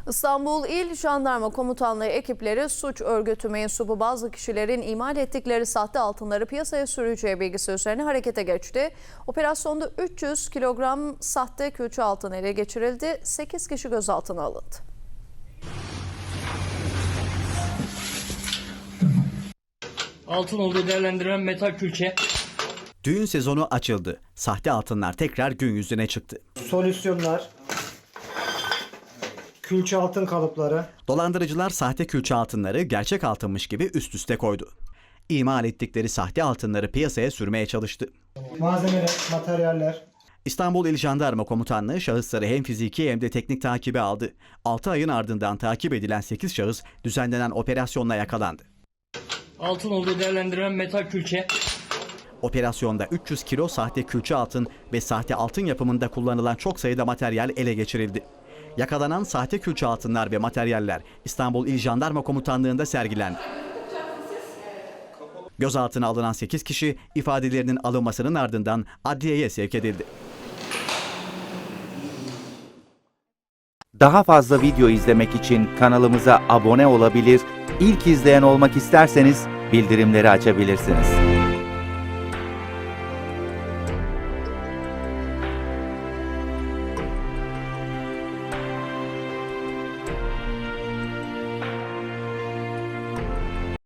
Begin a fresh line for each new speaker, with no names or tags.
İstanbul İl Jandarma Komutanlığı ekipleri suç örgütü mensubu bazı kişilerin imal ettikleri sahte altınları piyasaya süreceği bilgisi üzerine harekete geçti. Operasyonda 300 kilogram sahte külçe altın ele geçirildi. 8 kişi gözaltına alındı.
Altın olduğu değerlendirilen metal külçe.
Düğün sezonu açıldı. Sahte altınlar tekrar gün yüzüne çıktı.
Solüsyonlar, külçe altın kalıpları.
Dolandırıcılar sahte külçe altınları gerçek altınmış gibi üst üste koydu. İmal ettikleri sahte altınları piyasaya sürmeye çalıştı.
Malzemeler, materyaller.
İstanbul İl Jandarma Komutanlığı şahısları hem fiziki hem de teknik takibe aldı. 6 ayın ardından takip edilen 8 şahıs düzenlenen operasyonla yakalandı.
Altın olduğu değerlendirilen metal külçe.
Operasyonda 300 kilo sahte külçe altın ve sahte altın yapımında kullanılan çok sayıda materyal ele geçirildi. Yakalanan sahte külçe altınlar ve materyaller İstanbul İl Jandarma Komutanlığı'nda sergilendi. Gözaltına alınan 8 kişi ifadelerinin alınmasının ardından adliyeye sevk edildi.
Daha fazla video izlemek için kanalımıza abone olabilir, ilk izleyen olmak isterseniz bildirimleri açabilirsiniz.